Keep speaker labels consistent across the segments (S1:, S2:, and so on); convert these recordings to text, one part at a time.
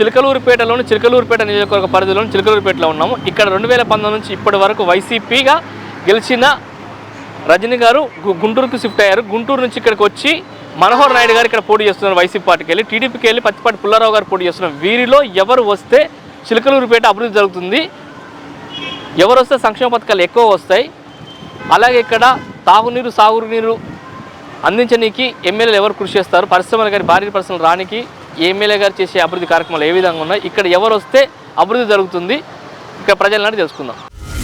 S1: చిలకలూరుపేట నియోజకవర్గ పరిధిలోని చిలకలూరుపేటలో ఉన్నాము. ఇక్కడ 2019 నుంచి ఇప్పటి వరకు వైసీపీగా గెలిచిన రజనీ గారు గుంటూరుకు షిఫ్ట్ అయ్యారు. గుంటూరు నుంచి ఇక్కడికి వచ్చి మనోహర్ నాయుడు గారు ఇక్కడ పోటీ చేస్తున్నారు. వైసీపీ పార్టీకి వెళ్ళి టీడీపీకి వెళ్ళి పత్తిపాటి పుల్లారావు గారు పోటీ చేస్తున్నారు. వీరిలో ఎవరు వస్తే చిలకలూరుపేట అభివృద్ధి జరుగుతుంది, ఎవరు వస్తే సంక్షేమ పథకాలు ఎక్కువ వస్తాయి, అలాగే ఇక్కడ తాగునీరు సాగునీరు అందించడానికి ఎమ్మెల్యేలు ఎవరు కృషి చేస్తారు, పరిశ్రమలు గారి భారీ పరిశ్రమలు రానికి ఎమ్మెల్యే గారు చేసే అభివృద్ధి కార్యక్రమాలు ఏ విధంగా ఉన్నాయి, ఇక్కడ ఎవరు వస్తే అభివృద్ధి జరుగుతుంది, ఇక్కడ ప్రజలను తెలుసుకుందాం.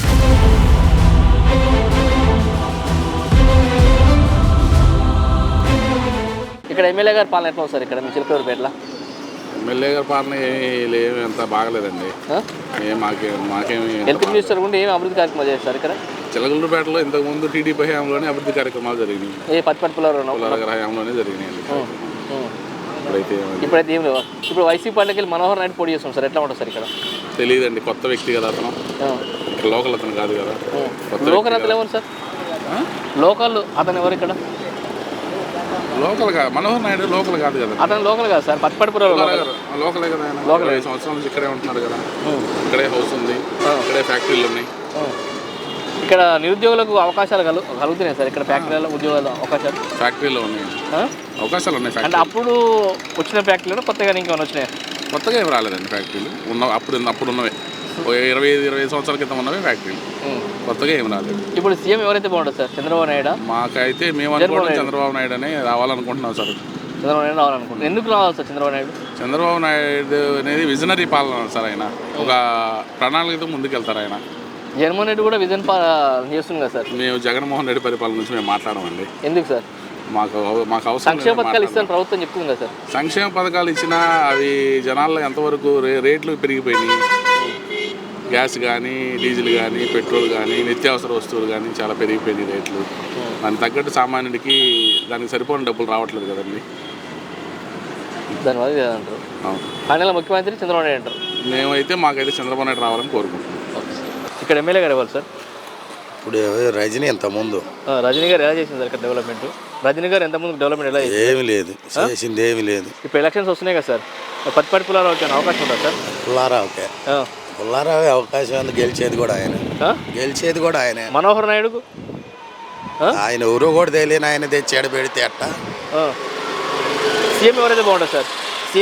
S1: ఇక్కడ ఎమ్మెల్యే గారి పాలన ఎట్లా వస్తారు ఇక్కడ మీ చిలకలూరుపేటలో?
S2: ఎమ్మెల్యే గారి పాలన ఏమి అంత బాగలేదండి. మాకేమి
S1: హెల్త్ మినిస్టర్ కూడా ఏమి అభివృద్ధి కార్యక్రమాలు చేస్తారు ఇక్కడ
S2: చిలకలూరుపేటలో ఇంతకుముందు టీడీపీ హయాంలోనే అభివృద్ధి కార్యక్రమాలు జరిగినాయి.
S1: పత్తిపాటి పుల్లారావు
S2: హయాంలోనే జరిగినాయి.
S1: ఇప్పుడైతే ఏం లేవు. ఇప్పుడు వైసీపీ పార్టీకి వెళ్ళి మనోహర్ నాయుడు పోటీ చేస్తాం సార్, ఎట్లా ఉంటుంది సార్ ఇక్కడ?
S2: తెలియదండి, కొత్త వ్యక్తి కదా అతను, లోకల్ అతను కాదు కదా.
S1: లోకల్ అతను ఎవరు సార్? లోకల్ అతను ఎవరు ఇక్కడ?
S2: లోకల్ కాదు, మనోహర్ నాయుడు లోకల్ కాదు కదా.
S1: అతను లోకల్ కాదు సార్, పత్తిపాటి
S2: లోకలే కదా. లోకల్ 5 సంవత్సరాల నుంచి ఇక్కడే ఉంటున్నారు కదా. ఇక్కడే హౌస్ ఉంది, ఇక్కడే ఫ్యాక్టరీలు ఉన్నాయి.
S1: ఇక్కడ నిరుద్యోగులకు అవకాశాలు కలుగుతున్నాయి సార్ ఇక్కడ ఫ్యాక్టరీలో ఉద్యోగాలు అవకాశాలు?
S2: ఫ్యాక్టరీలో ఉన్నాయి అవకాశాలు ఉన్నాయి.
S1: అంటే అప్పుడు వచ్చిన ఫ్యాక్టరీలో కొత్తగా ఇంకేమైనా వచ్చినాయి?
S2: కొత్తగా ఏమి రాలేదండి ఫ్యాక్టరీలు. అప్పుడు ఉన్నవే 25 సంవత్సరాల క్రితం ఉన్నవే ఫ్యాక్టరీలు, కొత్తగా ఏమి రాలేదు.
S1: ఇప్పుడు సీఎం ఎవరైతే బాగుంటుంది సార్? చంద్రబాబు నాయుడు?
S2: మాకైతే మేము అనుకోవడం చంద్రబాబు నాయుడు అనే రావాలనుకుంటున్నాం సార్.
S1: చంద్రబాబు నాయుడు రావాలనుకుంటున్నాం. ఎందుకు రావాలి సార్ చంద్రబాబు నాయుడు?
S2: చంద్రబాబు నాయుడు అనేది విజనరీ పాలన సార్. ఆయన ఒక ప్రణాళికతో ముందుకెళ్తారు. ఆయన
S1: జగన్మోహన్ రెడ్డి కూడా విజన్ చేస్తుంది కదా సార్. మేము
S2: జగన్మోహన్ రెడ్డి పరిపాలన నుంచి మేము మాట్లాడమండి.
S1: ఎందుకు సార్? మాకు అవసరం. సంక్షేమ పథకాలు ఇస్తాను ప్రభుత్వం చెప్తుంది కదా సార్.
S2: సంక్షేమ పథకాలు ఇచ్చినా అవి జనాల్లో ఎంతవరకు రేట్లు పెరిగిపోయినాయి. గ్యాస్ కానీ, డీజిల్ కానీ, పెట్రోల్ కానీ, నిత్యావసర వస్తువులు కానీ చాలా పెరిగిపోయినాయి రేట్లు. దానికి తగ్గట్టు సామాన్యుడికి దానికి సరిపోయిన డబ్బులు రావట్లేదు కదండి.
S1: దానివల్ల అంటారు. ఫైనల్ ముఖ్యమంత్రి చంద్రబాబు నాయుడు అంటారు.
S2: మేమైతే మాకైతే చంద్రబాబు నాయుడు రావాలని కోరుకుంటున్నాం.
S1: ఇక్కడ ఎమ్మెల్యే గారు ఇవ్వాలి సార్?
S3: ఇప్పుడు రజనీ ఎంతముందు
S1: రజనీ గారు ఎలా చేసింది సార్ ఇక్కడ డెవలప్మెంట్? రజనీ గారు ఎంతమంది డెవలప్మెంట్ ఎలా చేసింది?
S3: ఏమి లేదు, చేసింది ఏమి లేదు.
S1: ఇప్పుడు ఎలక్షన్స్ వస్తున్నాయి కదా సార్, పత్తిపాటి పుల్లారావు వచ్చే అవకాశం ఉంటుంది సార్?
S3: పుల్లారావు అవకాశం ఉంది, గెలిచేది కూడా ఆయన.
S1: మనోహర్ నాయుడుకు
S3: ఆయన ఎవరో కూడా తెలియని ఆయన తెచ్చాడు పెడితే అట్ట.
S1: సీఎం ఎవరైతే బాగుంటుంది సార్?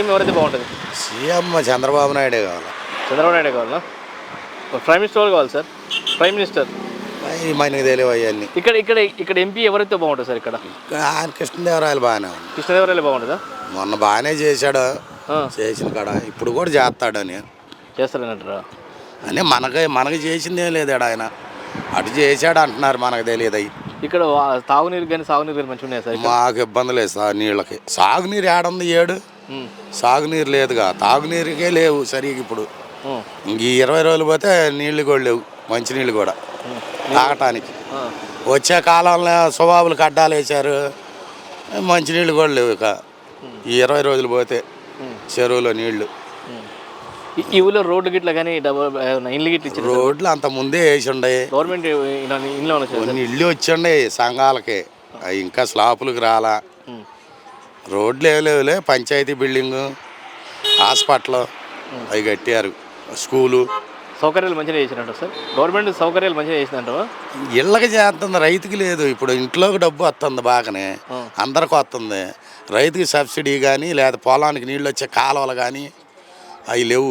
S3: సీఎం చంద్రబాబు నాయుడే కావాలి.
S1: చంద్రబాబు నాయుడే కావాలా? ప్రైమ్ మినిస్టర్ వాళ్ళు కావాలి సార్? ప్రైమ్ మినిస్టర్
S3: మనకి తెలియవు అవన్నీ.
S1: ఇక్కడ ఎంపీ ఎవరైతే బాగుంటుంది సార్? ఇక్కడ
S3: ఆయన కృష్ణదేవరాయలు బాగానే ఉంది.
S1: కృష్ణదేవరాయలు బాగుంటుందా?
S3: మొన్న బాగానే చేశాడు, చేసిన కాడ ఇప్పుడు కూడా చేస్తాడని
S1: చేస్తారనంటారా?
S3: అని మనకి చేసిందేం లేదు ఆయన, అటు చేశాడు అంటున్నారు, మనకు తెలియదు. అవి
S1: ఇక్కడ తాగునీరు కానీ సాగునీరు కానీ మంచిగా ఉన్నాయి సార్?
S3: మాకు ఇబ్బంది లేదు సార్ నీళ్ళకి. సాగునీరు ఏడుంది? సాగునీరు లేదుగా, తాగునీరుకే లేవు సరిగ్గా. ఇప్పుడు ఇంక 20 రోజులు పోతే నీళ్లు కూడా లేవు, మంచినీళ్ళు కూడా తాగటానికి. వచ్చే కాలంలో స్వభావులు కడ్డాలు వేశారు, మంచినీళ్ళు కూడా లేవు. ఇక ఈ 20 రోజులు పోతే చెరువులో నీళ్లు.
S1: ఈ ఊళ్ళో రోడ్లు గిట్ల కానీ ఇల్లు గిట్ల
S3: రోడ్లు అంత ముందే వేసి ఉండే,
S1: గవర్నమెంట్
S3: ఇల్లు వచ్చి ఉండే సంఘాలకి, ఇంకా స్లాపులకు రాలా. రోడ్లు ఏమి లేవులే, పంచాయతీ బిల్డింగు, హాస్పిటల్ అవి కట్టారు, స్కూలు
S1: సౌకర్యాలు మంచిగా చేసినట్టు సార్. గవర్నమెంట్ సౌకర్యాలు మంచిగా చేసినట్టు.
S3: ఇళ్ళకి చేస్తుంది, రైతుకి లేదు. ఇప్పుడు ఇంట్లోకి డబ్బు వస్తుంది బాగానే, అందరికి వస్తుంది. రైతుకి సబ్సిడీ కానీ లేదా పొలానికి నీళ్ళు వచ్చే కాలువలు కానీ అవి లేవు.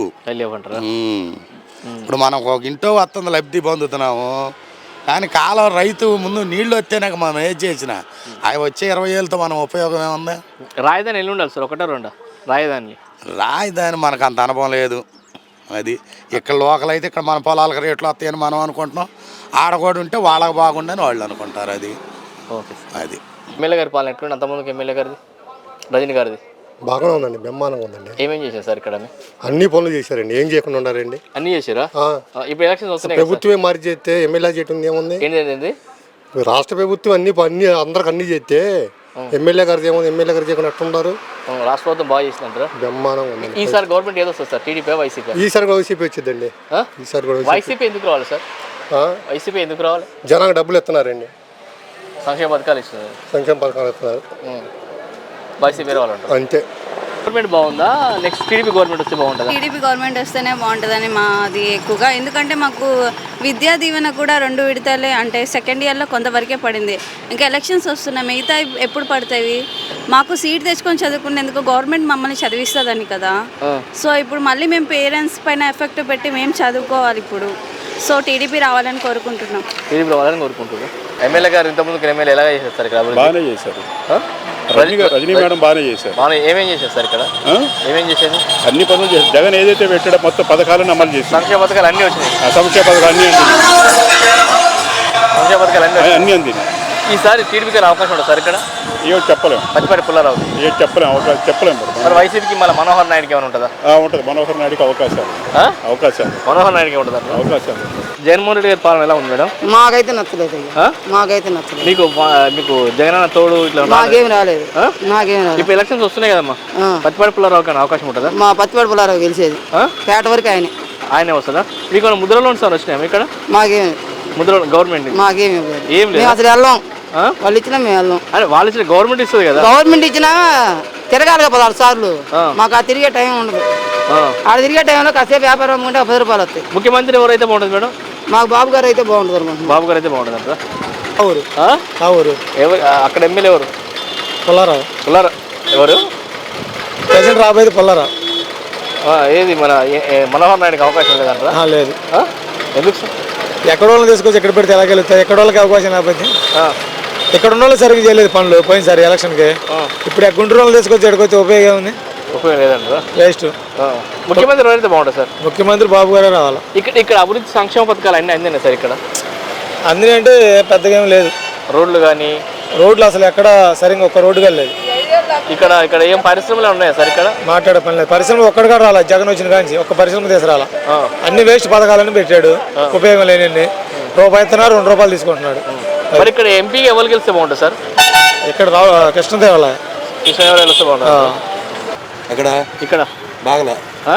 S3: ఇప్పుడు మనం ఒక ఇంట్లో వస్తుంది, లబ్ధి పొందుతున్నాము. కానీ కాలువ రైతు ముందు నీళ్ళు వస్తేనాక మనం ఏది చేసినా అవి వచ్చే 20 ఏళ్ళతో మనం ఉపయోగం ఏముంది?
S1: రాజధాని ఎల్లు ఉండాలి సార్, ఒకటో రెండా
S3: రాజధాని మనకు అంత అనుభవం లేదు. అది ఇక్కడ లోకల్ అయితే ఇక్కడ మన పొలాలకు రేట్లు వస్తాయని మనం అనుకుంటున్నాం, ఆడకూడ ఉంటే వాళ్ళకి బాగుండని వాళ్ళు అనుకుంటారు. అది అది
S1: ఎమ్మెల్యే గారి పాలన ఎట్లుంది? అంతమందికి ఎమ్మెల్యే గారిది, రజనీ గారిది
S4: బాగానే ఉందండి, బ్రహ్మాండంగా ఉందండి.
S1: ఏమేం చేశారు సార్ ఇక్కడ?
S4: అన్ని పనులు చేశారండి, ఏం చేయకుండా ఉన్నారండి.
S1: అన్ని చేశారా? ఇప్పుడు ఎలక్షన్స్ వస్తున్నాయి,
S4: ప్రభుత్వమే మారి చేస్తే ఎమ్మెల్యే చేయటం ఏముంది?
S1: ఏంటి
S4: రాష్ట్ర ప్రభుత్వం అన్ని అందరికి అన్ని చేస్తే ఎమ్మెల్యే గారు ఏముంది? ఎమ్మెల్యే గారు చేయకుండా ఎట్లున్నారు?
S1: రాష్ట్ర ప్రభుత్వం బాగా చేసినట్టు
S4: బ్రహ్మాండంగా ఉంది.
S1: ఈసారి గవర్నమెంట్ ఏదో వస్తుంది సార్, టీడీపీ వైసీపీ?
S4: ఈసారి వైసీపీ వచ్చిందండి. ఈసారి కూడా
S1: వైసీపీ ఎందుకు రావాలి సార్? వైసీపీ ఎందుకు రావాలి?
S4: జనానికి డబ్బులు ఇస్తున్నారండి,
S1: సంక్షేమ పథకాలు ఇస్తున్నారు.
S4: సంక్షేమ పథకాలు ఇస్తున్నారు,
S1: వైసీపీ రావాలంటారు
S4: అంతే.
S1: గవర్నమెంట్ బాగుందా నెక్స్ట్ టీడీపీ గవర్నమెంట్ వస్తే బాగుంటుందా?
S5: టీడీపీ గవర్నమెంట్ వస్తేనే బాగుంటుందని మాది ఎక్కువగా. ఎందుకంటే మాకు విద్యా దీవెన కూడా 2 విడతలే, అంటే సెకండ్ ఇయర్లో కొంతవరకే పడింది. ఇంకా ఎలక్షన్స్ వస్తున్నాయి, మిగతా ఎప్పుడు పడతాయి? మాకు సీట్ తెచ్చుకొని చదువుకునేందుకు గవర్నమెంట్ మమ్మల్ని చదివిస్తుందని కదా. సో ఇప్పుడు మళ్ళీ మేము పేరెంట్స్ పైన ఎఫెక్ట్ పెట్టి మేము చదువుకోవాలి ఇప్పుడు. సో టీడీపీ రావాలని కోరుకుంటున్నాం.
S1: టీడీపీ రావాలని కోరుకుంటున్నాం. ఎమ్మెల్యే గారు ఇంతకుముందు ఎమ్మెల్యే ఎలాగ చేసేస్తారు ఇక్కడ?
S6: బాగానే చేశారు. రజనీ మేడం బాగానే చేశారు.
S1: బాగా ఏమేం చేసేస్తారు ఇక్కడ? ఏమేం చేసేది?
S6: అన్ని పనులు చేశారు. జగన్ ఏదైతే పెట్టాడో మొత్తం పథకాలను అమలు చేశారు.
S1: సంక్షేమ పథకాలు అన్నీ వచ్చినాయి.
S6: సంక్షేమ పథకాలు అన్నీ
S1: సంక్షేమ పథకాలు
S6: అన్నీ అందినాయి.
S1: ఈసారి టీడీపీకి అవకాశం ఉంటుంది సార్ ఇక్కడ?
S6: ఏదో చెప్పలేము.
S1: పచ్చిపాటి పుల్లారావు
S6: ఏదో చెప్పలేము.
S1: మరి వైసీపీకి మళ్ళీ మనోహర్ నాయుడుకి ఏమైనా ఉంటుందా?
S6: ఉంటుంది. మనోహర్ నాయుడుకి అవకాశాలు.
S1: మనోహర్ నాయుడుకి ఉంటుంది
S6: అవకాశాలు.
S1: జగన్మోహన్ రెడ్డి గారి పాలన ఎలా ఉంది మేడం?
S7: మాకైతే నచ్చలేదు. మాకైతే నచ్చలేదు.
S1: మీకు జగనన్న తోడు ఇట్లా
S7: నాకేం రాలేదు. నాకేం రాలేదు.
S1: ఇప్పుడు ఎలక్షన్స్ వస్తున్నాయి కదమ్మా, పచ్చిపాటి పుల్లారావు కానీ అవకాశం ఉంటుందా?
S7: మా పచ్చిపాటి పుల్లారావు గెలిచేది. పేట వరకు ఆయనే
S1: వస్తుందా? మీకు ముద్రలో సార్ వచ్చినాయి ఇక్కడ?
S7: మాకేం
S1: ముద్ర గవర్నమెంట్
S7: మాకేమి
S1: ఏం లేదు.
S7: అసలు వెళ్ళాం. వాళ్ళు ఇచ్చినా మేము వెళ్ళాం.
S1: అరే వాళ్ళు ఇచ్చిన గవర్నమెంట్ ఇస్తుంది కదా.
S7: గవర్నమెంట్ ఇచ్చినా తిరగాలి కదా 16 సార్లు. మాకు ఆ తిరిగే టైం ఉండదు. ఆడ తిరిగే టైంలో కాసేపు వ్యాపారం అమ్ముకుంటే 10 రూపాయలు వస్తాయి.
S1: ముఖ్యమంత్రి ఎవరైతే బాగుంటుంది మేడం?
S7: మాకు బాబు గారు అయితే బాగుంటుంది అనుకుంటున్నాం.
S1: బాబు గారు అయితే బాగుంటుంది అంటారా?
S4: ఊరు
S1: ఎవరు అక్కడ ఎమ్మెల్యే ఎవరు?
S4: పుల్లారావు.
S1: ఎవరు
S4: ప్రెసిడెంట్ రాబోయేది పుల్లారావు.
S1: ఏది మన మనోహర్ నాయుడుకి అవకాశం లేదంటారా?
S4: లేదు.
S1: ఎందుకు సార్?
S4: ఎక్కడ వాళ్ళని తీసుకొచ్చి ఎక్కడ పెడితే ఎలా గెలుస్తాయి? ఎక్కడ వాళ్ళకి అవకాశం లేకపోతే ఇక్కడ ఉన్న వాళ్ళు సరిగ్గా చేయలేదు పనులు పోయినసారి ఎలక్షన్కి. ఇప్పుడు గుంటూరు వాళ్ళు తీసుకొచ్చి ఎక్కడికొచ్చి ఉపయోగం ఉంది?
S1: ఉపయోగం లేదంటారా?
S4: వేస్ట్.
S1: ముఖ్యమంత్రి ఎవరైతే బాగుంటుంది సార్?
S4: ముఖ్యమంత్రి బాబు గారే రావాలి.
S1: ఇక్కడ అభివృద్ధి సంక్షేమ పథకాలు అన్నీ అందినాయి సార్ ఇక్కడ?
S4: అన్నీ అంటే పెద్దగా ఏం లేదు.
S1: రోడ్లు కానీ
S4: రోడ్లు అసలు ఎక్కడ సరిగ్గా ఒక్క రోడ్డుగా లేదు.
S1: ఇక్కడ ఏం పరిశ్రమలు ఉన్నాయా సార్? ఇక్కడ
S4: మాట్లాడే పని లేదు. పరిశ్రమ ఒక్కడిగా రాలా జగన్ వచ్చిన కానీ ఒక్క పరిశ్రమ తీసుకురాలా. అన్ని వేస్ట్ పథకాలని పెట్టాడు, ఉపయోగం లేని. రూపాయి ఇస్తున్నారు, 2 రూపాయలు తీసుకుంటున్నాడు.
S1: మరి ఇక్కడ ఎంపీకి ఎవరు గెలిస్తే బాగుంటుంది సార్?
S4: ఇక్కడ కృష్ణదేవాల
S1: వస్తే బాగుంటుంది.
S8: ఇక్కడ బాగా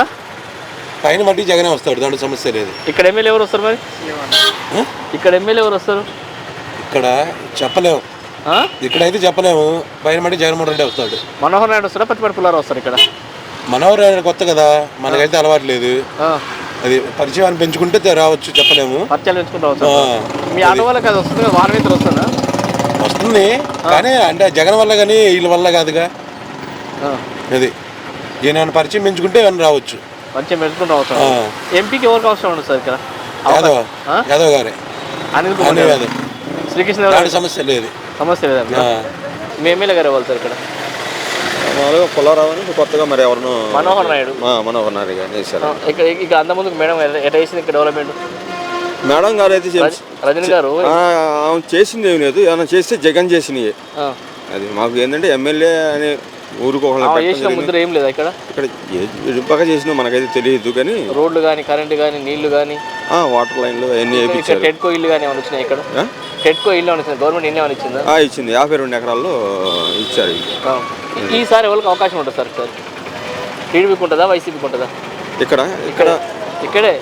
S8: పైన మట్టి జగనే వస్తాడు, దాంట్లో సమస్య లేదు.
S1: ఇక్కడ ఎమ్మెల్యే ఎవరు వస్తారు? మరి ఇక్కడ ఎమ్మెల్యే ఎవరు వస్తారు?
S8: ఇక్కడ చెప్పలేము. ఇక్కడైతే చెప్పలేము. పైన మట్టి జగన్మోహన్ రెడ్డి వస్తాడు.
S1: మనోహర్ నాయుడు వస్తారా? పచ్చిపాటి పుల్లారావు వస్తారు ఇక్కడ?
S8: మనోహర్ నాయుడు కొత్త కదా, మనకైతే అలవాటు లేదు. అది పరిచయాన్ని పెంచుకుంటే రావచ్చు, చెప్పలేము.
S1: పరిచయాలు పెంచుకుంటా మీ ఆటో వాళ్ళకి అది వస్తుంది కదా, వారం అయితే వస్తుందా?
S8: వస్తుంది కానీ అంటే జగన్ వల్ల కానీ వీళ్ళ వల్ల కాదుగా. అది ఈయన పరిచయం పెంచుకుంటే ఏమైనా రావచ్చు.
S1: పరిచయం పెంచుకుంటూ అవసరం. ఎంపీకి ఎవరికి అవసరం ఉండదు సార్ ఇక్కడ?
S8: యాదవ్ గారే.
S1: అనిల్ యాదవ్. శ్రీకృష్ణ
S8: సమస్య లేదు.
S1: సమస్య లేదా? మీ ఎమ్మెల్యే గారు ఇవ్వాలి సార్ ఇక్కడ?
S9: పుల్లారావు అని కొత్తగా మరి ఎవరు?
S1: మనోహర్ నాయుడు.
S9: మనోహర్ నాయుడు గారు
S1: ఇక్కడ అంతకుముందు మేడం ఎట్లా చేసింది ఇక్కడ డెవలప్మెంట్?
S9: మేడం గారు అయితే
S1: రజనీ గారు
S9: చేసింది ఏమి లేదు. ఏమైనా చేస్తే జగన్ చేసినవి. అది మాకు ఏంటంటే ఎమ్మెల్యే అనే ఊరికి
S1: ముద్ర ఏం లేదా ఇక్కడ?
S9: బాగా చేసినా మనకైతే తెలియదు కానీ
S1: రోడ్లు కానీ, కరెంట్ కానీ, నీళ్లు కానీ,
S9: వాటర్ లైన్లు అవన్నీ వేయించారు.
S1: టెట్కో ఇల్లు కానీ ఏమైనా వచ్చినాయి ఇక్కడ? టెట్కో ఇల్లు ఏమైనా వచ్చింది? గవర్నమెంట్ ఇల్లు ఏమైనా ఇచ్చిందా?
S9: ఇచ్చింది. 52 ఎకరాల్లో ఇచ్చారు.
S1: ఈసారి ఎవరికి అవకాశం ఉంటుంది సార్? సార్ టీడీపీకి ఉంటుందా, వైసీపీకి ఉంటుందా? ఇక్కడే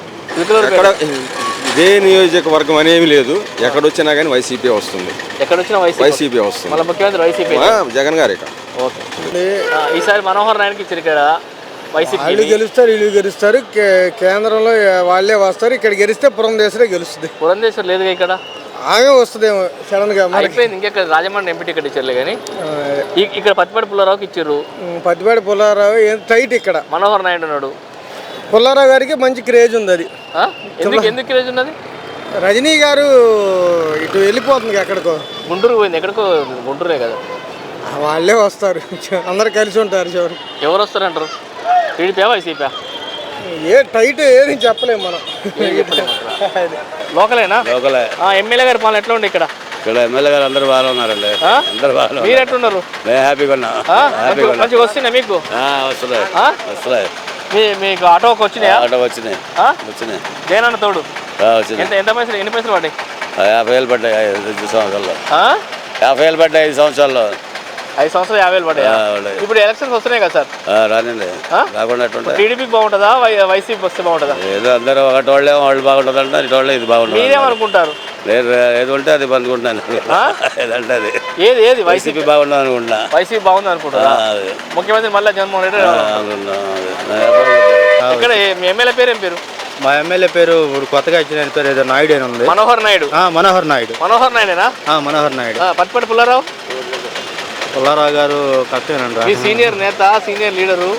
S9: ఇదే నియోజకవర్గం అనేవి లేదు. ఎక్కడొచ్చినా కానీ వైసీపీ వస్తుంది.
S1: ఎక్కడొచ్చినా వైసీపీ వస్తుంది. మళ్ళీ ముఖ్యమంత్రి వైసీపీ
S9: జగన్ గారు. ఇక్కడ
S1: ఓకే. ఈసారి మనోహర్ నాయుడుకి ఇచ్చారు ఇక్కడ. వైసీపీ
S4: వీళ్ళు గెలుస్తారు. కేంద్రంలో వాళ్ళే వస్తారు. ఇక్కడ గెలిస్తే పురంధేశ్వరే గెలుస్తుంది.
S1: పురంధేశ్వర్ లేదుగా ఇక్కడ.
S4: ఆమె వస్తుందేమో సడన్ గా.
S1: అయిపోయింది. ఇంకెక్కడ రాజమండ్రి ఎంపీ టికెట్ ఇచ్చారులే కానీ ఇక్కడ పత్తిపాటి పుల్లారావుకి ఇచ్చారు.
S4: పత్తిపాటి పుల్లారావు ఏం టైట్. ఇక్కడ
S1: మనోహర్ నాయుడు ఉన్నాడు.
S4: పుల్లారావు గారికి మంచి క్రేజ్ ఉంది. అది
S1: ఎందుకు క్రేజ్ ఉన్నది?
S4: రజనీ గారు ఇటు వెళ్ళిపోతుంది ఎక్కడికో,
S1: గుంటూరు పోయింది. ఎక్కడికో గుంటూరే కదా.
S4: వాళ్ళే వస్తారు, అందరు కలిసి ఉంటారు. చివరి
S1: ఎవరు వస్తారంటారు? TDP YCP?
S4: టైట్ ఏది చెప్పలేము మనం.
S1: లోకలేనా? ఎమ్మెల్యే గారి పాలన ఎట్లా ఉండే ఇక్కడ?
S10: ఇక్కడ ఎమ్మెల్యే గారు అందరూ బాగా ఉన్నారండి. అందరూ బాగా.
S1: మీరు ఎట్లున్నారు?
S10: హ్యాపీగా ఉన్నా.
S1: మంచిగా వస్తున్నాయి మీకు?
S10: వస్తున్నాయి.
S1: మీకు ఆటోకి వచ్చినాయా?
S10: ఆటో వచ్చినాయి.
S1: జగనన్న తోడు
S10: ఎంత
S1: పైసలు? ఎన్ని పైసలు పడ్డాయి?
S10: 50,000 పడ్డాయి 5 సంవత్సరాల్లో. 50,000 పడ్డాయి 5 సంవత్సరాల్లో.
S1: 5 సంవత్సరాలు 50,000 పడ్డాయి. ఇప్పుడు ఎలక్షన్స్ వస్తున్నాయి కదా సార్?
S10: రానండి. రాకుండా
S1: టీడీపీకి బాగుంటుందా, వైసీపీ వస్తే బాగుంటుందా?
S10: ఏదో అందరూ ఒకటి వాళ్ళు బాగుంటుంది అంటే ఇటు వాళ్ళే ఇది బాగుంటుంది.
S1: మీరేమనుకుంటారు?
S10: లేదు ఏది ఉంటే అది పంచుకుంటున్నాను ఏదంటే అది
S1: ఏది ఏది
S10: వైసీపీ బాగుండదు అనుకుంటున్నా.
S1: వైసీపీ బాగుంది అనుకుంటారా? ముఖ్యమంత్రి మళ్ళీ జగన్మోహన్ రెడ్డి ఇక్కడ మీ ఎమ్మెల్యే పేరు ఏం పేరు?
S4: మా ఎమ్మెల్యే పేరు ఇప్పుడు కొత్తగా ఇచ్చిన ఆయన పేరు ఏదో నాయుడు అని ఉంది.
S1: మనోహర్ నాయుడు.
S4: మనోహర్ నాయుడు.
S1: మనోహర్ నాయుడేనా?
S4: మనోహర్ నాయుడు.
S1: పత్తిపాటి పుల్లారావు.
S4: పుల్లారావు గారు కరెక్టేనండి.
S1: మీ సీనియర్ నేత, సీనియర్ లీడరు.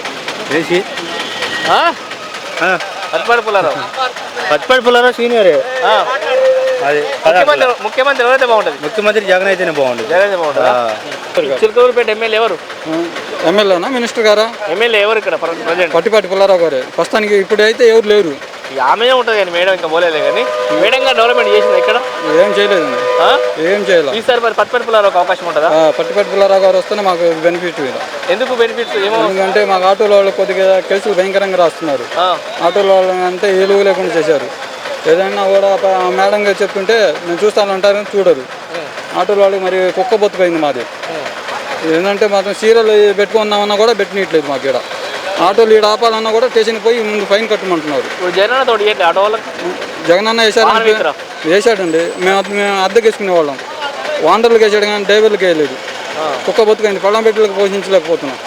S1: పత్తిపాటి పుల్లారావు.
S4: పత్తిపాటి పుల్లారావు సీనియరే. అది
S1: ముఖ్యమంత్రి ఎవరైతే బాగుంటుంది?
S4: ముఖ్యమంత్రి జగన్ అయితేనే బాగుంటుంది.
S1: జగన్ అయితే బాగుంటుందా? చిలకలూరుపేట ఎమ్మెల్యే ఎవరు?
S4: ఎమ్మెల్యేనా మినిస్టర్ గారా?
S1: ఎమ్మెల్యే ఎవరు ఇక్కడ ప్రజెంట్?
S4: పట్టిపాటి పుల్లారావు గారే ప్రస్తుతానికి. ఇప్పుడైతే ఎవరు లేరు.
S1: ఆమెనే ఉంటుంది కానీ మేడం ఇంకా పోలేదు కానీ మేడం గారు డెవలప్మెంట్ చేసింది ఇక్కడ
S4: ఏం చేయలేదండి. ఏం చేయాలి
S1: ఈసారి మరి పత్తిపాటి పుల్లారావు అవకాశం ఉంటుందా?
S4: పట్టిపాటి పుల్లారావు గారు వస్తేనే మాకు బెనిఫిట్.
S1: ఎందుకు బెనిఫిట్స్? ఏమో
S4: ఎందుకంటే మాకు ఆటోల వాళ్ళు కొద్దిగా కేసులు భయంకరంగా రాస్తున్నారు. ఆటోల వాళ్ళు అంటే ఏలుగు లేకుండా చేశారు. ఏదైనా కూడా మేడం గారు చెప్తుంటే నేను చూస్తానంటారు, చూడరు. ఆటోల వాళ్ళు మరి కుక్క బొత్తుపోయింది మాది. ఏంటంటే మాత్రం సీరియల్ పెట్టుకున్నామన్నా కూడా పెట్టనీయట్లేదు మాకు ఇక్కడ. ఆటోలు ఈడ ఆపాలన్నా కూడా స్టేషన్కి పోయి ముందు ఫైన్ కట్టమంటున్నారు. జగనన్న వేసాడండి. మేము అద్దెకి వేసుకునే వాళ్ళం. వాండర్లకు వేసాడు కానీ డ్రైవర్లకు వేయలేదు. కుక్క బతుకైంది. పళ్ళం పెట్టలకు పోషించలేకపోతున్నాం.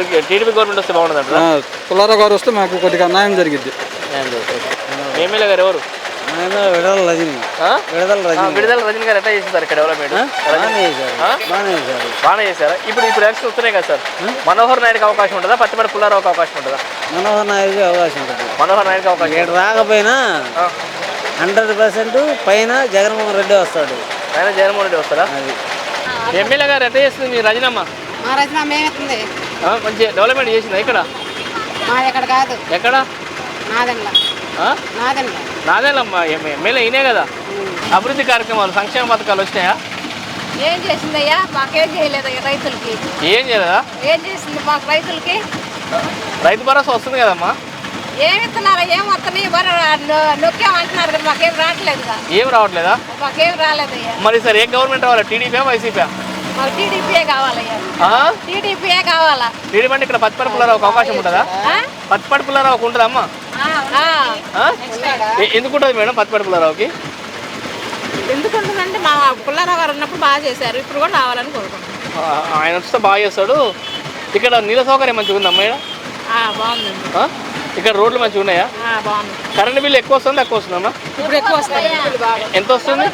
S4: పుల్లారావు గారు వస్తే మాకు కొద్దిగా న్యాయం జరిగింది.
S1: ఎమ్మెల్యే గారు ఎవరు?
S4: విడుదల రజనీ.
S1: విడుదల రజనీ గారు ఎట్లా చేస్తారు ఇక్కడ డెవలప్మెంట్? బాగానే చేశారా? ఇప్పుడు ఎలక్షన్ వస్తున్నాయి కదా సార్, మనోహర్ నాయుడుకి అవకాశం ఉంటుందా? పత్తిపాటి పుల్లారావుకి అవకాశం ఉంటుందా?
S4: మనోహర్ నాయుడుకి అవకాశం ఉంటుంది.
S1: మనోహర్ నాయుడుకి అవకాశం
S4: రాకపోయినా 100% పైన జగన్మోహన్ రెడ్డి వస్తాడు.
S1: ఆయన జగన్మోహన్ రెడ్డి వస్తారా? ఎమ్మెల్యే గారు ఎట్లా చేస్తుంది మీ రజనమ్మ? మంచి డెవలప్మెంట్ చేసిందా ఇక్కడ? ఎక్కడ? నాదేనమ్మా. ఎమ్మెల్యే అయినే కదా. అభివృద్ధి కార్యక్రమాలు, సంక్షేమ పథకాలు వచ్చినాయా?
S5: ఏం చేసిందయ్యా? మాకేం చేయలేదు రైతులకి.
S1: ఏం చేయలేదా?
S5: ఏం చేసింది మాకు రైతులకి?
S1: రైతు భరోసా వస్తుంది కదమ్మా.
S5: ఏమి ఇస్తున్నారు? ఏం వస్తున్నాయి? నొక్కేమంటున్నారు కదా, మాకేం రావట్లేదుగా.
S1: ఏం రావట్లేదా?
S5: మాకేం రాలేదయ్యా.
S1: మరి సార్ ఏ గవర్నమెంట్ రావాలి? TDP, YCP?
S5: మాకు టీడీపీయే కావాలయ్యా. టీడీపీయే కావాలా?
S1: టీడీపీ అంటే ఇక్కడ పత్తిపాటి పుల్లారావుకి అవకాశం ఉంటుందా? పత్తిపాటి పుల్లారావుకి ఉంటుందా అమ్మా? ఎందుకు ఉంటుంది మేడం పత్తిపాటి పుల్లారావుకి?
S5: ఎందుకుంటుందంటే మా పుల్లారావు గారు ఉన్నప్పుడు బాగా చేశారు, ఇప్పుడు కూడా రావాలని కోరుకుంటున్నాం.
S1: ఆయన వస్తే బాగా చేస్తాడు. ఇక్కడ నీళ్ళ సౌకర్యం మంచిగా ఉందా మేడం?
S5: బాగుందండి.
S1: ఇక్కడ రోడ్లు మంచిగా ఉన్నాయా?
S5: బాగుంది.
S1: కరెంట్ బిల్లు ఎక్కువ వస్తుందా తక్కువ వస్తుందమ్మా?
S5: ఇప్పుడు ఎక్కువ వస్తుంది.
S1: ఎంత వస్తుంది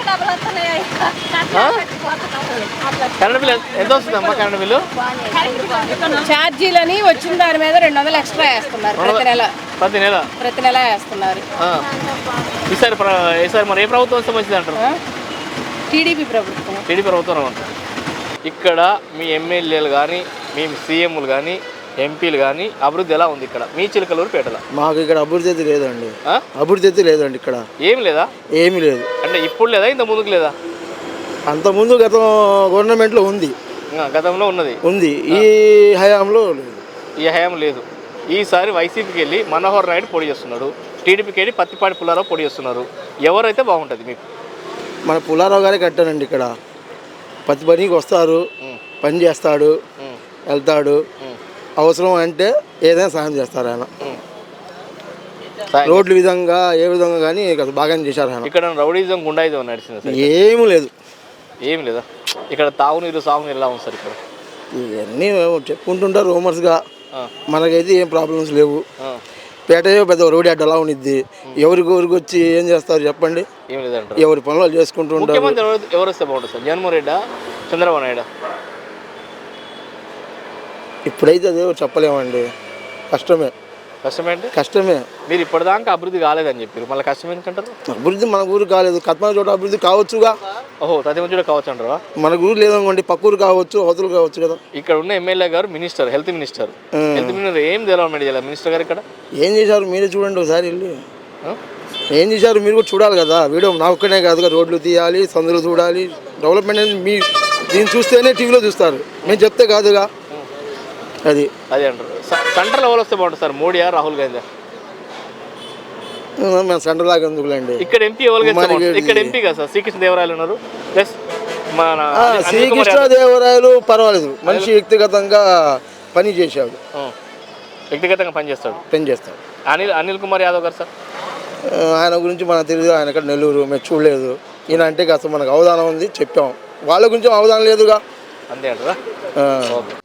S1: కరెంట్ బిల్లు? ఎంత వస్తుందమ్మా కరెంట్ బిల్లు?
S5: ఛార్జీలని వచ్చిన దాని మీద 200 ఎక్స్ట్రా వేస్తున్నారు ప్రతి నెల వేస్తున్నారు.
S1: ఈసారి మరి ఏ ప్రభుత్వం వస్తే మంచిది అంటారు?
S5: టీడీపీ ప్రభుత్వం.
S1: టీడీపీ ప్రభుత్వం అంటారు. ఇక్కడ మీ ఎమ్మెల్యేలు కానీ, మీ సీఎంలు కానీ, ఎంపీలు కానీ అభివృద్ధి ఎలా ఉంది ఇక్కడ మీ చిలకలూరుపేటలో?
S4: మాకు ఇక్కడ అభివృద్ధి అయితే లేదండి. అభివృద్ధి అయితే లేదండి ఇక్కడ.
S1: ఏం లేదా?
S4: ఏమీ లేదు.
S1: అంటే ఇప్పుడు లేదా, ఇంత ముందుకు లేదా?
S4: అంత ముందు గతం గవర్నమెంట్లో ఉంది.
S1: గతంలో ఉంది.
S4: ఈ హయాంలో లేదు.
S1: ఈ హయాం లేదు. ఈసారి వైసీపీకి వెళ్ళి మనోహర్ నాయుడు పోటీ చేస్తున్నాడు, టీడీపీకి వెళ్ళి పత్తిపాటి పుల్లారావు పోటీ చేస్తున్నారు. ఎవరైతే బాగుంటుంది మీకు?
S4: మన పుల్లారావు గారే కట్టారండి. ఇక్కడ పత్తి పనికి వస్తారు, పని చేస్తాడు, వెళ్తాడు. అవసరం అంటే ఏదైనా సాయం చేస్తారు ఆయన. రోడ్ల విధంగా ఏ విధంగా కానీ బాగానే చేశారు ఆయన.
S1: ఇక్కడ రౌడీజం, గుండాయిజం నడిచింది?
S4: ఏమీ లేదు.
S1: ఏమి లేదా? ఇక్కడ తాగునీరు, సాగునీరు ఎలా ఉంది సార్ ఇక్కడ?
S4: ఇవన్నీ చెప్పుకుంటుంటారు రూమర్స్గా. మనకైతే ఏం ప్రాబ్లమ్స్ లేవు. పేట పెద్ద రోడ్డు అడ్డ అలా uniద్ది. ఎవరికి వచ్చి ఏం చేస్తారు చెప్పండి?
S1: ఏం లేదంటారు.
S4: ఎవరి పనులు చేసుకుంటూ ఉంటారు.
S1: ముఖ్యమంత్రి ఎవరు వస్తే బాగుంటుంది సార్? జగన్మోహన్ రెడ్డా, చంద్రబాబు నాయుడు?
S4: ఇప్పుడైతే అదే చెప్పలేమండి. కష్టమే. కష్టమే.
S1: మీరు ఇప్పటిదాకా అభివృద్ధి కాలేదని చెప్పారు, మళ్ళీ కష్టం ఎందుకంటారు?
S4: అభివృద్ధి మన ఊరు కాలేదు, కత్మా చోట అభివృద్ధి కావచ్చుగా.
S1: ఓహో, ప్రతి చోట కావచ్చు అంటారా?
S4: మన ఊరు లేదనుకోండి, పక్క ఊరు కావచ్చు, అవతలు కావచ్చు కదా.
S1: ఇక్కడ ఉన్న MLA garu minister, health minister. ఏం డెవలప్మెంట్ చేయాలి మినిస్టర్ గారు? ఇక్కడ ఏం
S4: చేశారు మీరే చూడండి ఒకసారి వెళ్ళి. ఏం చేశారు మీరు కూడా చూడాలి కదా. వీడియో నా ఒక్కనే కాదుగా, రోడ్లు తీయాలి, సందులు చూడాలి. డెవలప్మెంట్ అనేది మీ దీన్ని చూస్తేనే టీవీలో చూస్తారు, మేము చెప్తే కాదుగా. అది
S1: అంటారు. సెంటర్లో ఎవరు వస్తే బాగుంటుంది సార్? మోడీయా, రాహుల్ గాంధీ?
S4: మేము సెంటర్ దాకా ఎందుకులేండి.
S1: ఇక్కడ ఎంపీ ఇక్కడ ఎంపీ కదా సార్, శ్రీకృష్ణదేవరాయలు ఉన్నారు. ప్లస్ మన
S4: శ్రీకృష్ణదేవరాయలు పర్వాలేదు, మనిషి వ్యక్తిగతంగా పని చేశాడు.
S1: వ్యక్తిగతంగా పని చేస్తాడు. అనిల్ కుమార్ యాదవ్ గారు సార్,
S4: ఆయన గురించి మనకు తెలియదు. ఆయన ఇక్కడ నెల్లూరు, మేము చూడలేదు.
S11: ఈయన అంటే కాస్త మనకు అవగాహన ఉంది చెప్పాం, వాళ్ళ గురించి అవగాహన లేదుగా.
S1: అంతే అంటారా?
S11: ఆ.
S1: ఓకే.